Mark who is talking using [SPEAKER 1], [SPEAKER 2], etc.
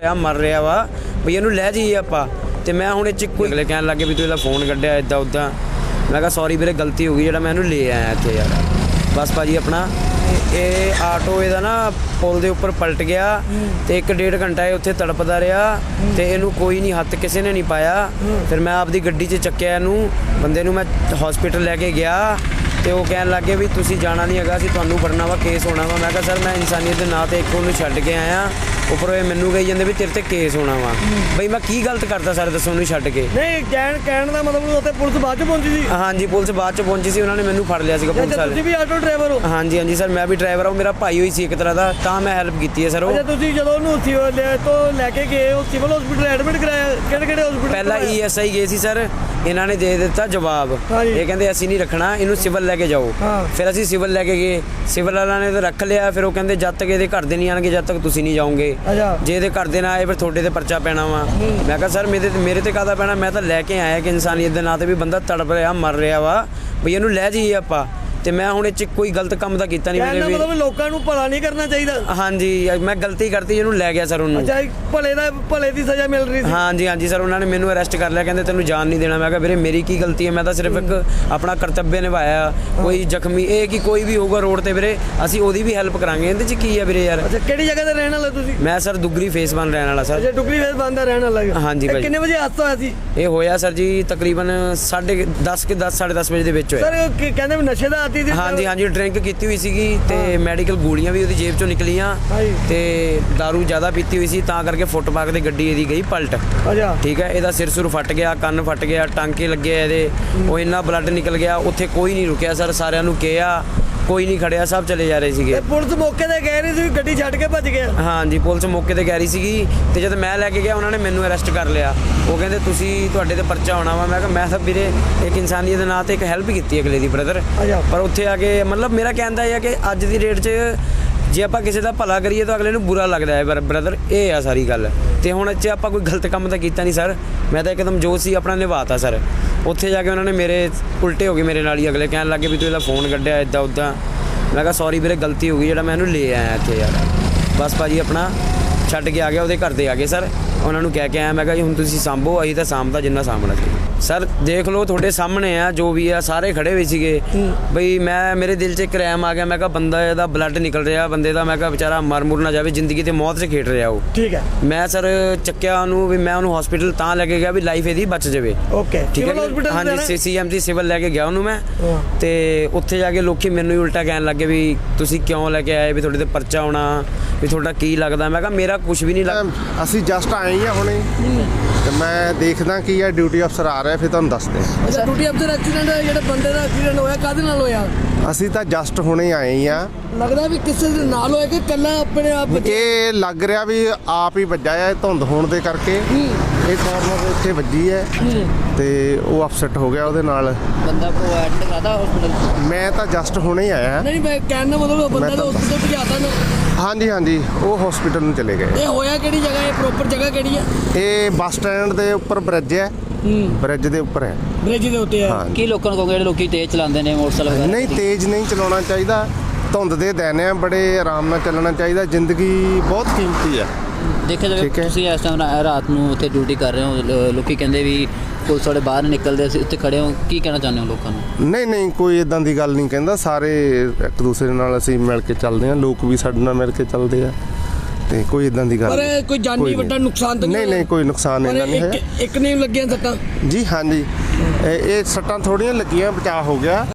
[SPEAKER 1] ਆ ਮਰ ਰਿਹਾ ਵਾ ਵੀ ਇਹਨੂੰ ਲੈ ਜਾਈਏ ਆਪਾਂ। ਤੇ ਮੈਂ ਹੁਣ ਇਹ 'ਚ ਕੋਈ ਅਗਲੇ ਕਹਿਣ ਲੱਗੇ ਵੀ ਤੂੰ ਇਹਦਾ ਫੋਨ ਕੱਢਿਆ ਇੱਦਾਂ ਉੱਦਾਂ। ਮੈਂ ਕਿਹਾ ਸੌਰੀ ਵੀਰੇ ਗਲਤੀ ਹੋ ਗਈ, ਜਿਹੜਾ ਮੈਂ ਇਹਨੂੰ ਲੈ ਆਇਆ ਇੱਥੇ ਯਾਰ। ਬਸ ਭਾਜੀ ਆਪਣਾ ਇਹ ਆਟੋ ਇਹਦਾ ਨਾ ਪੁਲ ਦੇ ਉੱਪਰ ਪਲਟ ਗਿਆ ਤੇ 1.5 ਘੰਟਾ ਇਹ ਉੱਥੇ ਤੜਪਦਾ ਰਿਹਾ ਤੇ ਇਹਨੂੰ ਕੋਈ ਨਹੀਂ ਹੱਥ ਕਿਸੇ ਨੇ ਨਹੀਂ ਪਾਇਆ। ਫਿਰ ਮੈਂ ਆਪਦੀ ਗੱਡੀ 'ਚ ਚੱਕਿਆ ਇਹਨੂੰ, ਬੰਦੇ ਨੂੰ ਮੈਂ ਹਸਪੀਟਲ ਲੈ ਕੇ ਗਿਆ ਤੇ ਉਹ ਕਹਿਣ ਲੱਗੇ ਵੀ ਤੁਸੀਂ ਜਾਣਾ ਨਹੀਂ ਹੈਗਾ, ਅਸੀਂ ਤੁਹਾਨੂੰ ਫੜਨਾ ਵਾ, ਕੇਸ ਹੋਣਾ ਵਾ। ਮੈਂ ਕਿਹਾ ਸਰ ਮੈਂ ਇਨਸਾਨੀਅਤ ਦੇ ਨਾਂ ਤੇ ਇੱਕ ਉਹਨੂੰ ਛੱਡ ਕੇ ਆਇਆ, ਉੱਪਰੋਂ ਇਹ ਮੈਨੂੰ ਕਹੀ ਜਾਂਦੇ ਵੀ ਤੇਰੇ ਤੇ ਕੇਸ ਹੋਣਾ ਵਾ। ਬਈ ਮੈਂ ਕੀ ਗਲਤ ਕਰਤਾ ਸਰ ਦੱਸੋ ਉਹਨੂੰ ਛੱਡ ਕੇ?
[SPEAKER 2] ਨਹੀਂ ਕਹਿਣ ਦਾ ਮਤਲਬ ਉੱਥੇ ਪੁਲਿਸ ਬਾਅਦ ਚ ਪਹੁੰਚੀ ਸੀ?
[SPEAKER 1] ਹਾਂਜੀ ਪੁਲਿਸ ਬਾਅਦ ਚ ਪਹੁੰਚੀ ਸੀ, ਉਹਨਾਂ ਨੇ ਮੈਨੂੰ ਫੜ ਲਿਆ ਸੀਗਾ ਪੁਲਿਸ ਵਾਲੇ।
[SPEAKER 2] ਤੁਸੀਂ ਵੀ ਆਟੋ ਡਰਾਈਵਰ ਹੋ?
[SPEAKER 1] ਹਾਂਜੀ ਹਾਂਜੀ ਸਰ ਮੈਂ ਵੀ ਡਰਾਈਵਰ ਹਾਂ, ਮੇਰਾ ਭਾਈ ਹੋਈ ਸੀ ਇੱਕ ਤਰ੍ਹਾਂ ਦਾ, ਤਾਂ ਮੈਂ ਹੈਲਪ ਕੀਤੀ ਹੈ ਸਰ। ਉਹ
[SPEAKER 2] ਤੁਸੀਂ ਜਦੋਂ ਉਹਨੂੰ ਲੈ ਕੇ ਗਏ ਉਹ ਸਿਵਲ ਹਸਪੀਟਲ ਐਡਮਿਟ ਕਰਾਇਆ? ਕਿਹੜੇ ਹਸਪੀਟਲ?
[SPEAKER 1] ਪਹਿਲਾਂ ESI ਗਏ ਸੀ ਸਰ, ਇਹਨਾਂ ਨੇ ਦੇ ਦਿੱਤਾ ਜਵਾਬ, ਇਹ ਕਹਿੰਦੇ ਅਸੀਂ ਨਹੀਂ ਰੱਖਣਾ ਇਹਨੂੰ, ਸਿਵਲ ਲੈ ਕੇ ਜਾਓ। ਫਿਰ ਅਸੀਂ ਸਿਵਲ ਲੈ ਕੇ ਗਏ, ਸਿਵਲ ਵਾਲਿਆਂ ਨੇ ਤਾਂ ਰੱਖ ਲਿਆ। ਫਿਰ ਉਹ ਕਹਿੰਦੇ ਜਦ ਤੱਕ ਇਹਦੇ ਘਰ ਦੇ ਨਹੀਂ ਆਣਗੇ ਜਦ ਤੱਕ ਤੁਸੀਂ ਨਹੀਂ ਜਾਓਗੇ, ਜੇ ਇਹਦੇ ਘਰ ਦੇ ਨਾ ਆਏ ਫਿਰ ਤੁਹਾਡੇ ਤੇ ਪਰਚਾ ਪੈਣਾ ਵਾ। ਮੈਂ ਕਿਹਾ ਸਰ ਮੇਰੇ ਤੇ ਕਾਹਦਾ ਪੈਣਾ, ਮੈਂ ਤਾਂ ਲੈ ਕੇ ਆਇਆ ਕਿ ਇਨਸਾਨੀਅਤ ਦੇ ਨਾਂ ਤੇ ਵੀ ਬੰਦਾ ਤੜਪ ਰਿਹਾ ਮਰ ਰਿਹਾ ਵਾ ਵੀ ਇਹਨੂੰ ਲੈ ਜਾਈਏ ਆਪਾਂ। ਤੇ ਮੈਂ ਹੁਣ ਇਹ 'ਚ ਕੋਈ ਗਲਤ ਕੰਮ ਤਾਂ ਕੀਤਾ ਨਹੀਂ ਮੇਰੇ ਵੀ।
[SPEAKER 2] ਮਤਲਬ ਲੋਕਾਂ ਨੂੰ ਭਲਾ ਨਹੀਂ ਕਰਨਾ ਚਾਹੀਦਾ?
[SPEAKER 1] ਹਾਂਜੀ ਮੈਂ ਗਲਤੀ ਕਰਤੀ, ਇਹਨੂੰ ਲੈ ਗਿਆ ਸਰ ਉਹਨੂੰ।
[SPEAKER 2] ਅੱਛਾ ਭਲੇ ਦੀ ਸਜ਼ਾ ਮਿਲ ਰਹੀ ਸੀ?
[SPEAKER 1] ਹਾਂਜੀ ਹਾਂਜੀ ਸਰ ਉਹਨਾਂ ਨੇ ਮੈਨੂੰ ਅਰੈਸਟ ਕਰ ਲਿਆ, ਕਹਿੰਦੇ ਤੈਨੂੰ ਜਾਨ ਨਹੀਂ ਦੇਣਾ। ਮੈਂ ਕਿਹਾ ਵੀਰੇ ਮੇਰੀ ਕੀ ਗਲਤੀ ਹੈ, ਮੈਂ ਤਾਂ ਸਿਰਫ ਇੱਕ ਆਪਣਾ ਕਰਤੱਵ ਨਿਭਾਇਆ। ਕੋਈ ਜ਼ਖਮੀ ਇਹ ਕਿ ਕੋਈ ਵੀ ਹੋਊਗਾ ਰੋਡ ਤੇ ਵੀਰੇ ਅਸੀਂ ਉਹਦੀ ਵੀ ਹੈਲਪ ਕਰਾਂਗੇ, ਇਹਦੇ 'ਚ ਕੀ ਹੈ ਵੀਰੇ ਯਾਰ।
[SPEAKER 2] ਅੱਛਾ ਕਿਹੜੀ ਜਗ੍ਹਾ ਤੇ ਰਹਿਣ ਵਾਲੇ ਤੁਸੀਂ?
[SPEAKER 1] ਮੈਂ ਸਰ ਦੁੱਗਰੀ ਫੇਸ 1 ਰਹਿਣ ਵਾਲਾ ਸਰ।
[SPEAKER 2] ਅੱਛਾ ਦੁੱਗਰੀ ਫੇਸ 1 ਦਾ ਰਹਿਣ ਵਾਲਾ?
[SPEAKER 1] ਹਾਂਜੀ ਭਾਈ।
[SPEAKER 2] ਕਿੰਨੇ ਵਜੇ ਹਾਦਸਾ ਹੋਇਆ ਸੀ?
[SPEAKER 1] ਇਹ ਹੋਇਆ ਸਰ ਜੀ ਤਕਰੀਬਨ 10:30 10:30 ਵਜੇ ਦੇ ਵਿੱਚ ਹੋਇਆ
[SPEAKER 2] ਸਰ। ਕਹਿੰਦੇ ਵੀ ਨਸ਼ੇ ਦਾ ਆਦੀ ਸੀ?
[SPEAKER 1] ਹਾਂਜੀ ਹਾਂਜੀ ਡਰਿੰਕ ਕੀਤੀ ਹੋਈ ਸੀਗੀ ਤੇ ਮੈਡੀਕਲ ਗੋਲੀਆਂ ਵੀ ਉਹਦੀ ਜੇਬ ਚੋਂ ਨਿਕਲੀਆਂ ਤੇ दारू ਜ਼ਿਆਦਾ ਪੀਤੀ ਹੋਈ ਸੀ, ਤਾਂ ਕਰਕੇ ਫੁੱਟਪਾਥ ਤੇ ਗੱਡੀ ਇਹਦੀ ਗਈ ਪਲਟ।
[SPEAKER 2] ਅੱਛਾ
[SPEAKER 1] ਠੀਕ ਹੈ, ਇਹਦਾ ਸਿਰ ਸੁਰ ਫਟ ਗਿਆ, ਕੰਨ ਫਟ ਗਿਆ, ਟਾਂਕੇ ਲੱਗੇ ਇਹਦੇ, ਉਹ ਇੰਨਾ ਬਲੱਡ ਨਿਕਲ ਗਿਆ। ਉੱਥੇ ਕੋਈ ਨਹੀਂ ਰੁਕਿਆ ਸਰ, ਸਾਰਿਆਂ ਨੂੰ ਕਿਹਾ, ਕੋਈ ਨਹੀਂ ਖੜਿਆ, ਸਭ ਚਲੇ ਜਾ ਰਹੇ ਸੀਗੇ।
[SPEAKER 2] ਪੁਲਿਸ ਮੌਕੇ ਤੇ ਕਹਿ ਰਹੀ ਸੀ ਗੱਡੀ ਛੱਡ ਕੇ ਭੱਜ ਗਿਆ?
[SPEAKER 1] ਹਾਂਜੀ ਪੁਲਿਸ ਮੌਕੇ ਤੇ ਕਹਿ ਰਹੀ ਸੀਗੀ ਤੇ ਜਦ ਮੈਂ ਲੈ ਕੇ ਗਿਆ ਉਹਨਾਂ ਨੇ ਮੈਨੂੰ ਅਰੈਸਟ ਕਰ ਲਿਆ। ਉਹ ਕਹਿੰਦੇ ਤੁਹਾਡੇ ਤੇ ਪਰਚਾ ਹੋਣਾ ਵਾ। ਮੈਂ ਕਿਹਾ ਮੈਂ ਤਾਂ ਵੀਰੇ ਇੱਕ ਇਨਸਾਨੀਅਤ ਦੇ ਨਾਂ ਤੇ ਇੱਕ ਹੈਲਪ ਕੀਤੀ ਅਗਲੇ ਦੀ ਬ੍ਰਦਰ। ਪਰ ਉੱਥੇ ਆ ਕੇ ਮਤਲਬ ਮੇਰਾ ਕਹਿਣ ਦਾ ਇਹ ਹੈ ਕਿ ਅੱਜ ਦੀ ਡੇਟ 'ਚ ਜੇ ਆਪਾਂ ਕਿਸੇ ਦਾ ਭਲਾ ਕਰੀਏ ਤਾਂ ਅਗਲੇ ਨੂੰ ਬੁਰਾ ਲੱਗਦਾ ਹੈ ਬ੍ਰਦਰ, ਇਹ ਆ ਸਾਰੀ ਗੱਲ। ਤੇ ਹੁਣ ਇਹ 'ਚ ਆਪਾਂ ਕੋਈ ਗਲਤ ਕੰਮ ਤਾਂ ਕੀਤਾ ਨਹੀਂ ਸਰ, ਮੈਂ ਤਾਂ ਇੱਕਦਮ ਜੋ ਸੀ ਆਪਣਾ ਨਿਭਾਤਾ ਸਰ। ਉੱਥੇ ਜਾ ਕੇ ਉਹਨਾਂ ਨੇ ਮੇਰੇ ਉਲਟੇ ਹੋ ਗਏ ਮੇਰੇ ਨਾਲ ਹੀ, ਅਗਲੇ ਕਹਿਣ ਲੱਗੇ ਵੀ ਤੂੰ ਇਹਦਾ ਫੋਨ ਕੱਢਿਆ ਇੱਦਾਂ ਉੱਦਾਂ। ਮੈਂ ਕਿਹਾ ਸੌਰੀ ਵੀਰੇ ਗਲਤੀ ਹੋ ਗਈ, ਜਿਹੜਾ ਮੈਂ ਇਹਨੂੰ ਲੈ ਆਇਆ ਇੱਥੇ ਯਾਰ। ਬਸ ਭਾਜੀ ਆਪਣਾ ਛੱਡ ਕੇ ਆ ਗਿਆ, ਉਹਦੇ ਘਰ ਦੇ ਆ ਗਏ ਸਰ, ਉਹਨਾਂ ਨੂੰ ਕਹਿ ਕੇ ਆਇਆ। ਮੈਂ ਕਿਹਾ ਜੀ ਹੁਣ ਤੁਸੀਂ ਸਾਂਭੋ, ਅਸੀਂ ਤਾਂ ਸਾਂਭਦਾ ਜਿੰਨਾ ਸਾਂਭਣਾ ਚਾਹੀਦਾ। ਸਰ ਦੇਖ ਲਓ ਤੁਹਾਡੇ ਸਾਹਮਣੇ ਆ ਜੋ ਵੀ ਆ, ਸਾਰੇ ਖੜੇ ਹੋਏ ਸੀਗੇ। ਬਈ ਮੇਰੇ ਦਿਲ 'ਚ ਇੱਕ ਰੈਮ ਆ ਗਿਆ, ਮੈਂ ਕਿਹਾ ਬੰਦਾ ਇਹਦਾ ਬਲੱਡ ਨਿਕਲ ਰਿਹਾ ਬੰਦੇ ਦਾ, ਮੈਂ ਕਿਹਾ ਵਿਚਾਰਾ ਮਰ ਮੁਰ ਨਾ ਜਾਵੇ, ਜ਼ਿੰਦਗੀ ਤੇ ਮੌਤ 'ਚ ਖੇਡ ਰਿਹਾ ਉਹ। ਠੀਕ ਹੈ। ਮੈਂ ਸਰ ਚੱਕਿਆ ਉਹਨੂੰ, ਵੀ ਮੈਂ ਉਹਨੂੰ ਹਸਪੀਟਲ ਤਾਂ ਲੈ ਕੇ ਗਿਆ ਵੀ ਲਾਈਫ ਇਹਦੀ ਬਚ ਜਾਵੇ। ਓਕੇ ਠੀਕ ਹੈ। ਹਾਂਜੀ CMC ਸਿਵਲ ਲੈ ਕੇ ਗਿਆ ਉਹਨੂੰ ਮੈਂ, ਤੇ ਉੱਥੇ ਜਾ ਕੇ ਲੋਕੀ ਮੈਨੂੰ ਹੀ ਉਲਟਾ ਕਹਿਣ ਲੱਗੇ ਵੀ ਤੁਸੀਂ ਕਿਉਂ ਲੈ ਕੇ ਆਏ, ਵੀ ਤੁਹਾਡੇ ਤੇ ਪਰਚਾ ਹੋਣਾ, ਵੀ ਤੁਹਾਡਾ ਕੀ ਲੱਗਦਾ। ਮੈਂ ਕਿਹਾ ਮੇਰਾ ਕੁਝ ਵੀ ਨਹੀਂ ਲੱਗਦਾ।
[SPEAKER 3] ਅਸੀਂ ਜਸਟ ਆਏ ਹੀ ਆ ਹੁਣੇ, ਤੇ ਮੈਂ ਦੇਖਦਾ ਕੀ ਆ ਡਿਊਟੀ ਅਫਸਰ ਆ ਰਿਹਾ, ਫਿਰ ਤੁਹਾਨੂੰ ਦੱਸਦੇ।
[SPEAKER 2] ਅੱਛਾ ਡਿਊਟੀ ਅਫਸਰ ਐਕਸੀਡੈਂਟ ਜਿਹੜਾ ਬੰਦੇ ਦਾ ਐਕਸੀਡੈਂਟ ਹੋਇਆ ਕਾਹਦੇ ਨਾਲ ਹੋਇਆ?
[SPEAKER 3] ਅਸੀਂ ਤਾਂ ਜਸਟ ਹੁਣੇ ਆਏ ਹੀ ਆ।
[SPEAKER 2] ਲੱਗਦਾ ਵੀ ਕਿਸੇ ਦੇ ਨਾਲ ਹੋਇਆ ਕਿ ਇਕੱਲਾ ਆਪਣੇ ਆਪ?
[SPEAKER 3] ਇਹ ਲੱਗ ਰਿਹਾ ਵੀ ਆਪ ਹੀ ਵੱਜਾ ਹੈ, ਧੁੰਦ ਹੋਣ ਦੇ ਕਰਕੇ ਇਹ ਕਾਰਨਰ ਇੱਥੇ ਵੱਜੀ ਹੈ ਤੇ ਉਹ ਅਪਸੈਟ ਹੋ ਗਿਆ ਉਹਦੇ ਨਾਲ।
[SPEAKER 2] ਬੰਦਾ ਕੋ ਐਡਮਿਟ ਕਰਾਦਾ ਹਸਪੀਟਲ?
[SPEAKER 3] ਮੈਂ ਤਾਂ ਜਸਟ ਹੁਣੇ ਹੀ ਆਇਆ।
[SPEAKER 2] ਨਹੀਂ ਮੈਂ ਕਹਿਣ ਦਾ ਮਤਲਬ ਬੰਦਾ ਤਾਂ ਹਸਪੀਟਲ ਭਜਾਤਾ ਨਾ? ਹਾਂਜੀ
[SPEAKER 3] ਹਾਂਜੀ ਉਹ ਹਸਪੀਟਲ ਨੂੰ ਚਲੇ ਗਏ।
[SPEAKER 2] ਇਹ ਹੋਇਆ ਕਿਹੜੀ ਜਗ੍ਹਾ ਹੈ, ਪ੍ਰੋਪਰ ਜਗ੍ਹਾ ਕਿਹੜੀ ਹੈ?
[SPEAKER 3] ਇਹ ਬੱਸ ਸਟੈਂਡ ਦੇ ਉੱਪਰ ਬ੍ਰਿਜ ਹੈ, ਬ੍ਰਿਜ ਦੇ ਉੱਪਰ ਹੈ।
[SPEAKER 2] ਬ੍ਰਿਜ ਦੇ ਉੱਤੇ ਹੈ।
[SPEAKER 4] ਕੀ ਲੋਕਾਂ ਨੂੰ ਕਹੋਗੇ ਜਿਹੜੇ ਲੋਕੀ ਤੇਜ਼ ਚਲਾਉਂਦੇ ਨੇ ਮੋਟਰਸਾਈਕਲ?
[SPEAKER 3] ਨਹੀਂ ਤੇਜ਼ ਨਹੀਂ ਚਲਾਉਣਾ ਚਾਹੀਦਾ, ਧੁੰਦ ਦੇ ਦਿਨ ਆ, ਬੜੇ ਆਰਾਮ ਨਾਲ ਚੱਲਣਾ ਚਾਹੀਦਾ, ਜ਼ਿੰਦਗੀ ਬਹੁਤ ਕੀਮਤੀ ਹੈ।
[SPEAKER 4] ਦੇਖਿਆ ਜਾਵੇ ਤੁਸੀਂ ਇਸ ਟਾਈਮ ਰਾਤ ਨੂੰ ਉੱਥੇ ਡਿਊਟੀ ਕਰ ਰਹੇ ਹੋ, ਲੋਕੀ ਕਹਿੰਦੇ ਵੀ ਪੁਲਿਸ ਵਾਲੇ ਬਾਹਰ ਨਿਕਲਦੇ, ਅਸੀਂ ਉੱਥੇ ਖੜੇ ਹੋ, ਕੀ ਕਹਿਣਾ ਚਾਹੁੰਦੇ ਹੋ ਲੋਕਾਂ ਨੂੰ?
[SPEAKER 3] ਨਹੀਂ ਕੋਈ ਇਦਾਂ ਦੀ ਗੱਲ ਨਹੀਂ ਕਹਿੰਦਾ, ਸਾਰੇ ਇੱਕ ਦੂਸਰੇ ਨਾਲ ਅਸੀਂ ਮਿਲ ਕੇ ਚੱਲਦੇ ਹਾਂ, ਲੋਕ ਵੀ ਸਾਡੇ ਨਾਲ ਮਿਲ ਕੇ ਚੱਲਦੇ ਆ, ਤੇ ਕੋਈ ਇਦਾਂ ਦੀ ਗੱਲ
[SPEAKER 2] ਪਰ ਕੋਈ ਜਾਨੀ ਵੱਡਾ ਨੁਕਸਾਨ ਤਾਂ
[SPEAKER 3] ਨਹੀਂ ਕੋਈ ਨੁਕਸਾਨ ਇਹਨਾਂ ਨਹੀਂ ਹੈ।
[SPEAKER 2] ਇੱਕ ਨਹੀਂ ਲੱਗੀਆਂ ਸੱਟਾਂ?
[SPEAKER 3] ਜੀ ਹਾਂਜੀ ਇਹ ਸੱਟਾਂ ਥੋੜੀਆਂ ਲੱਗੀਆਂ, ਬਚਾਅ ਹੋ ਗਿਆ।